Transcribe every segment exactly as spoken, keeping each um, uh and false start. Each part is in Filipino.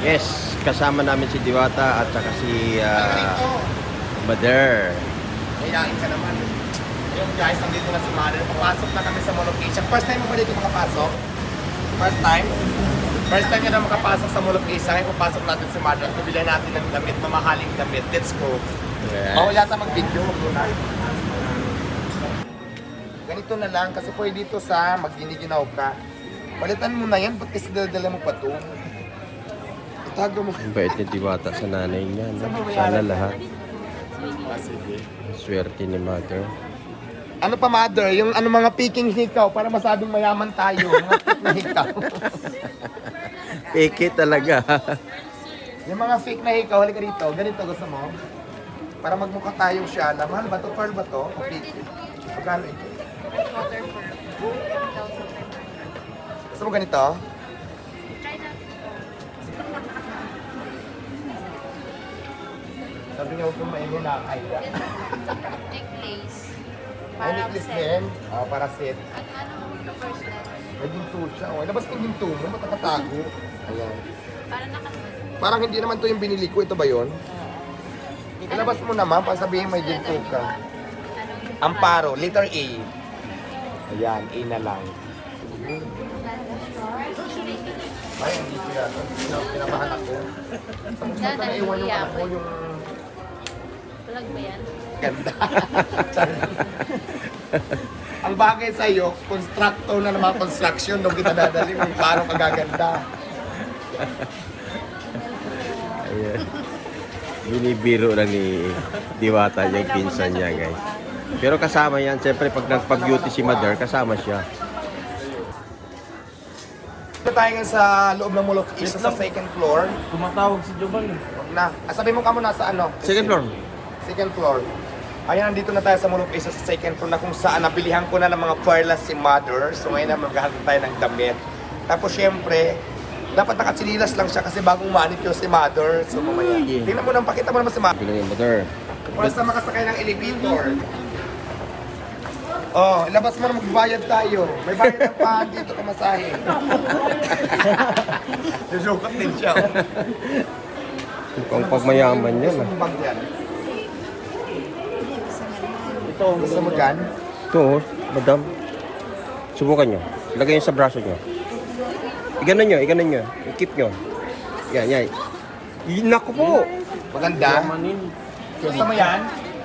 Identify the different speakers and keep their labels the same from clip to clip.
Speaker 1: Yes, kasama namin si Diwata at saka si uh, Mother.
Speaker 2: Kayain ka naman. Ayun guys, nandito na si Mother. Papasok na kami sa Molocation. First time mo ba dito makapasok? First time? First time ka na makapasok sa Molocation. Ngayon papasok natin si Mother at bibili natin ng damit, mamahaling damit. Let's go.
Speaker 1: Yeah.
Speaker 2: Bawal yata mag-video. Mag-muna. Ganito na lang kasi pwede dito sa magginiginaw ka. Palitan mo na yan, ba't kasi dala mo pa ito? Itago mo.
Speaker 1: Ang bait ni Diwata sa nanay niya. No? Sana lahat.
Speaker 2: Ah, sige.
Speaker 1: Swerte ni Mother.
Speaker 2: Ano pa, Mother? Yung ano mga peking hikaw para masabing mayaman tayo. Mga fake na hikaw.
Speaker 1: Peke talaga.
Speaker 2: Yung mga fake na hikaw, halika dito. Ganito gusto mo? Para magmukha tayong siya. Mahal ba to? Pearl ba to? O fake? Pagkano ito? Gusto mo ganito? Sabi niya huwag kong maingin na kaya.
Speaker 3: Necklace.
Speaker 2: Ay, necklace din. Ah, para set.
Speaker 3: At ano the first letter?
Speaker 2: May ginto siya. Oh, labas mo yung ginto mo. Ba't nakatago? Ayan.
Speaker 3: Para nakasunod.
Speaker 2: Parang hindi naman to yung binili ko. Ito ba yun? Ilabas mo naman para sabihin may ginto ka. Amparo, letter A. Ayan, A na lang. Ay, hindi ko yan. Pinamahan ako. Sa mukha ka na iwan yung anak mo yung
Speaker 3: Tulag ba yan?
Speaker 2: ganda. Ang bagay sa'yo, constructor na ng mga construction, nung kita dadali mo, parang kagaganda.
Speaker 1: Ayan. Binibiro lang ni Diwata yung pinsan niya, guys. Pero kasama yan. Siyempre, pag nagpag-beauty si Mother, kasama siya.
Speaker 2: Ito tayo nga sa loob ng Mulok East, sa second floor.
Speaker 4: Tumatawag si Giovanni.
Speaker 2: Huwag na. Ah, sabi mo ka muna sa ano?
Speaker 1: Second floor.
Speaker 2: Second floor. Ayan, nandito na tayo sa Mulok East, sa second floor na kung saan nabilihan ko na ng mga perlas si Mother. So ngayon na maghahatid tayo ng damit. Tapos syempre, dapat nakatsinilas lang siya kasi bagong manicure si Mother. So mamaya.
Speaker 1: Yeah.
Speaker 2: Tingnan mo nang pakita mo naman si Mother.
Speaker 1: Bilang ni Mother.
Speaker 2: Oras na makasakay ng elevator. Oh, ilabas mo na magbayad tayo. May bayad pa dito kamasahe. Susukat din siya.
Speaker 1: Mukhang pagmayaman yan.
Speaker 2: Gusto
Speaker 1: Ah.
Speaker 2: mong bag yan?
Speaker 4: Ito,
Speaker 2: Gusto mo dyan?
Speaker 1: Ito, oh, Madam. Subukan nyo. Ilagay nyo sa braso nyo. Iganon nyo, iganon nyo. I-keep nyo. Yan, yan. Y- Naku po!
Speaker 2: Maganda.
Speaker 4: Manin.
Speaker 2: Gusto mo yan?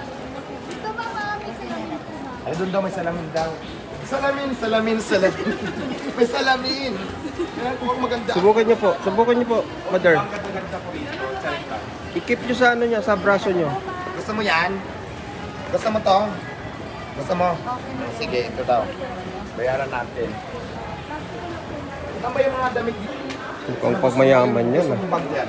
Speaker 2: Ay, doon daw may salamin daw. Salamin, salamin, salamin. May salamin. Yan, kung maganda.
Speaker 1: Subukan nyo po. Subukan nyo po, Mother.
Speaker 2: Ang ganda-ganda ko rito. Charita.
Speaker 1: I-keep nyo sa ano nyo, sa braso nyo.
Speaker 2: Gusto mo yan? Gusto mo to? Gusto mo? Sige, ito daw. Bayaran natin. Saan ba yung mga damit dito?
Speaker 1: Mukhang pagmayaman yan.
Speaker 2: Gusto
Speaker 1: Ah.
Speaker 2: mong bag yan?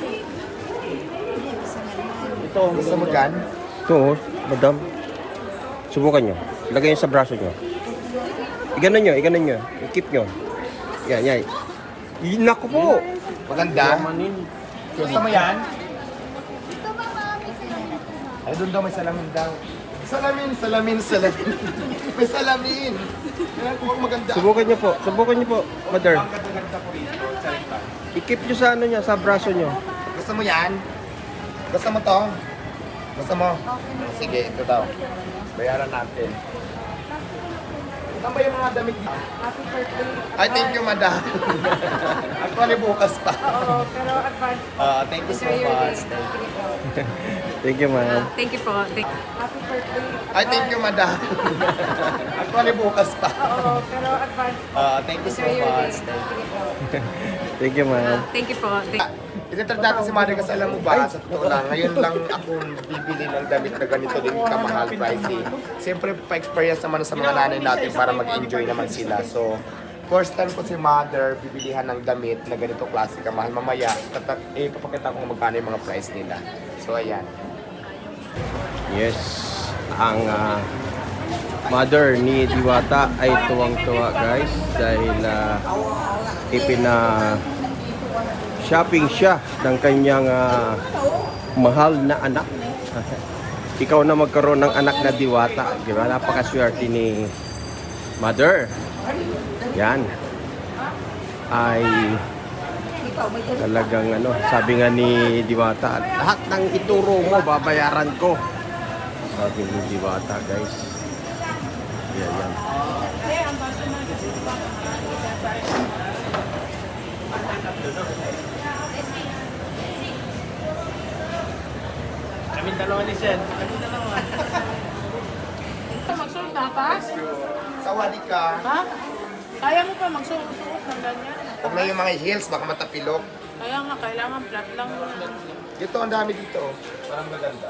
Speaker 4: Ito,
Speaker 2: Gusto mo dyan?
Speaker 1: Ito, oh, Madam. Subukan nyo. Ilagay nyo sa braso nyo. Iganon nyo, iganon nyo. I-keep nyo. Yan, yan. Y- Naku po!
Speaker 2: Maganda.
Speaker 4: Manin.
Speaker 2: Gusto mo yan? Ay, doon daw may salamin daw. Salamin, salamin, salamin. May salamin. Yan, kung maganda.
Speaker 1: Subukan nyo po. Subukan nyo po, Mother.
Speaker 2: Ang ganda-ganda ko rito. Charita.
Speaker 1: I-keep nyo sa ano nyo, sa braso nyo.
Speaker 2: Gusto mo yan? Gusto mo to? Gusto mo? Sige, ito daw. Bayaran natin. Saan ba yung mga damit dito?
Speaker 3: Happy birthday.
Speaker 2: Ay, thank you, madam. Actually, bukas pa.
Speaker 3: Oo, pero advance.
Speaker 2: Ah, thank you so much.
Speaker 1: Thank you, ma'am.
Speaker 3: Thank you po. Thank Happy birthday.
Speaker 2: Ay, thank you, madam. Actually, bukas pa.
Speaker 3: Oo, pero advance.
Speaker 2: Ah, thank you so much.
Speaker 1: Thank you, ma'am.
Speaker 3: Thank you po. Thank
Speaker 2: Ititrad natin si Mother kasi alam mo ba, sa totoo lang, ngayon lang ako bibili ng damit na ganito din kamahal pricey. Siyempre, pa-experience naman sa mga nanay natin para mag-enjoy naman sila. So, first time ko si Mother bibilihan ng damit na ganito klase kamahal. Mamaya, tata- eh, papakita ko kung magkano yung mga price nila. So, ayan.
Speaker 1: Yes, ang ah, mother ni Diwata ay tuwang-tuwa, guys, dahil uh, ipina shopping siya ng kanyang ah, mahal na anak. Ikaw na magkaroon ng anak na Diwata, di ba? Napakaswerte ni Mother. Yan. Ay Talagang ano, sabi nga ni Diwata, lahat ng ituro mo, babayaran ko. Sabi ni Diwata, guys. Yan, yan.
Speaker 4: Kami dalawa ni Shen. Kami dalawa.
Speaker 3: Magsuot na taas?
Speaker 2: Sawadi ka.
Speaker 3: Ha? Kaya mo pa magsuot ng ganyan?
Speaker 2: Huwag na yung mga heels, baka matapilok.
Speaker 3: Kaya nga, kailangan flat lang muna.
Speaker 2: Dito, ang dami dito. Parang maganda.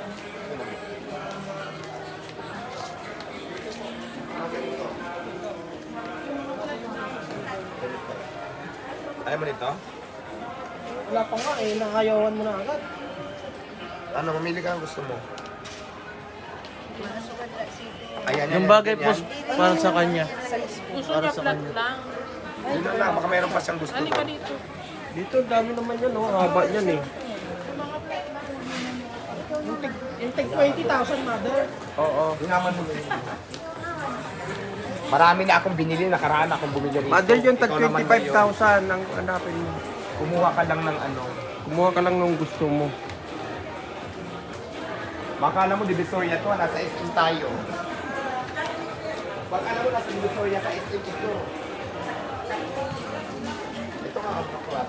Speaker 2: Ayaw mo nito?
Speaker 4: Wala pa nga eh, nakayawan mo na agad.
Speaker 2: Ano, mamili ka ang gusto mo. Ayan, yan,
Speaker 4: Yung
Speaker 2: yan,
Speaker 4: bagay
Speaker 2: yan,
Speaker 4: po
Speaker 2: yan.
Speaker 4: para sa kanya.
Speaker 3: Gusto
Speaker 4: Para
Speaker 3: niya
Speaker 4: sa
Speaker 3: flat
Speaker 4: kanya.
Speaker 3: lang.
Speaker 2: Yun lang lang, baka mayroon pa siyang gusto
Speaker 3: Ano ka
Speaker 2: doon.
Speaker 3: dito?
Speaker 1: Dito, dami naman yan, oh. Haba yan, eh.
Speaker 4: Yung tag twenty thousand, mother.
Speaker 1: Oo.
Speaker 2: Hinaman mo. Marami na akong binili, nakaraan akong bumili rito.
Speaker 1: Mother, yung tag
Speaker 2: Ikaw naman
Speaker 1: twenty-five
Speaker 2: ngayon,
Speaker 1: thousand ang hanapin mo.
Speaker 2: Kumuha ka lang ng ano.
Speaker 1: Kumuha ka lang ng gusto mo.
Speaker 2: Makala mo, Divisoria to, nasa S M tayo. Pag alam mo, nasa Divisoria ka, S M ito. Ito nga, ang baklat.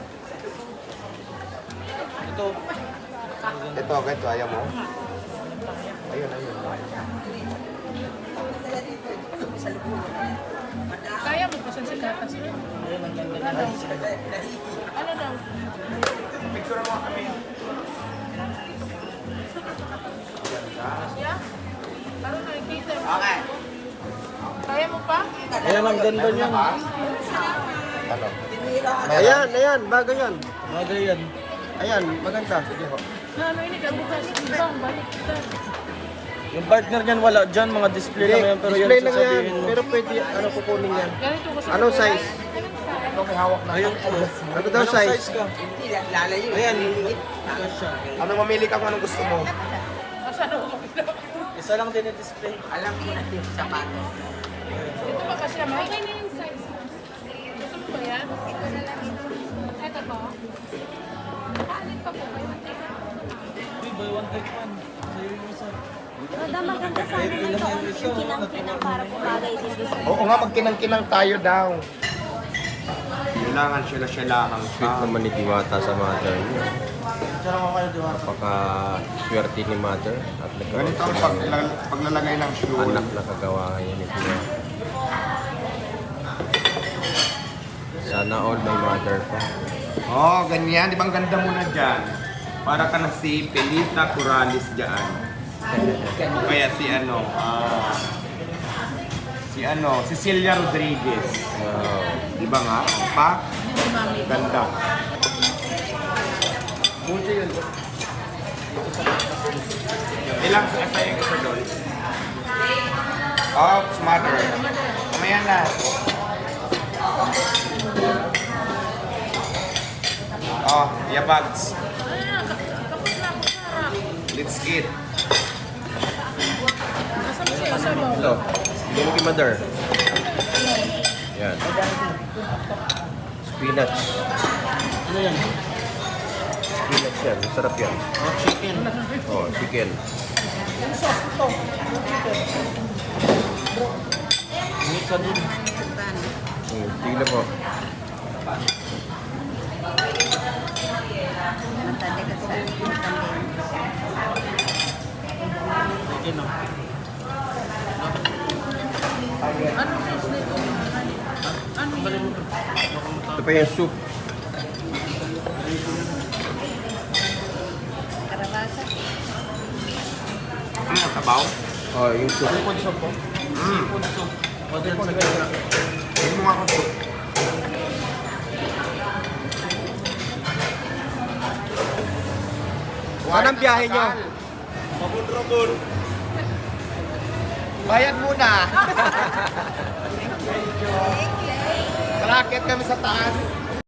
Speaker 4: Ito.
Speaker 2: Ito, ganito, ayaw mo? Ayun, ayun.
Speaker 3: Kaya mo pa sa gatas mo? Ano daw? Ano daw?
Speaker 2: Picture mo kami.
Speaker 3: Yeah? Ano nakikita?
Speaker 2: Okay.
Speaker 3: Kaya mo pa?
Speaker 4: Ayan ang ganda niya.
Speaker 2: Ano?
Speaker 1: Ayan, ayan, bagay yan.
Speaker 4: Bagay yan.
Speaker 1: Ayan, maganda. Sige ho.
Speaker 3: Na ano ini kabukas? Ibang balik kita.
Speaker 4: Yung partner niyan wala dyan, mga display lang yan. Pero yan
Speaker 1: display lang yan.
Speaker 4: sasabihin mo.
Speaker 1: Pero pwede, ano kukunin yan.
Speaker 3: Ganito gusto ko.
Speaker 1: Anong size?
Speaker 2: Ito may hawak na.
Speaker 4: Ayun po.
Speaker 1: Ano daw
Speaker 4: Anong
Speaker 1: size?
Speaker 4: ka? Ayan, liliit. Ito siya.
Speaker 2: Ano, mamili ka kung anong gusto mo.
Speaker 3: Asa daw?
Speaker 4: Isa lang din i-display.
Speaker 3: Ito ba kasi may? Okay na yung size. Gusto mo ba yan? Ito ba? Nakaalit pa po kayo.
Speaker 4: Uy, buy one take one. Sa'yo yung isa.
Speaker 5: Roda, maganda sana ng yung kinang-kinang para pumagay din doon sa
Speaker 2: Oo nga, magkinang-kinang tayo daw. Kailangan sila-silahan ka.
Speaker 1: Sweet naman ni Diwata sa mother niya.
Speaker 4: Diyan ako kayo, di ba?
Speaker 1: Napaka-swerte ni mother. At nagkaroon
Speaker 2: Ganito ang
Speaker 1: siya ng
Speaker 2: pag- paglalagay ng shoe.
Speaker 1: anak na kagawa niya ni Diwata. Sana all may mother pa.
Speaker 2: Oh, ganyan. Di ba ang ganda mo na dyan? Para ka na si Pelita Corrales dyan. O kaya si ano, ah, si ano, Cecilia Rodriguez.
Speaker 1: Wow.
Speaker 2: Di ba nga? Pa? Ganda. Ilang sa asaya ka sa doon? Oh, smarter. Mamaya na. Oh, yeah, bags. Let's get.
Speaker 1: Ito, bigyan mo kay mother. Yan. Spinach.
Speaker 4: Ano yan?
Speaker 1: Spinach yan. Masarap yan.
Speaker 4: Oh, chicken.
Speaker 1: Oh, chicken.
Speaker 4: Mix ka din.
Speaker 1: Hmm, tignan po.
Speaker 4: Chicken, oh.
Speaker 3: Ano sauce nito? Ano yun?
Speaker 1: Ito pa yung soup.
Speaker 2: Ano, sabaw?
Speaker 1: Oh, yung soup.
Speaker 4: Seafood soup po.
Speaker 2: Mm.
Speaker 4: Seafood soup. Modern sa kanya.
Speaker 2: Hindi mo nga ako soup.
Speaker 1: Saan ang biyahe nyo?
Speaker 2: Rabon-rabon. Bayad muna. Tara, akyat kami sa taas.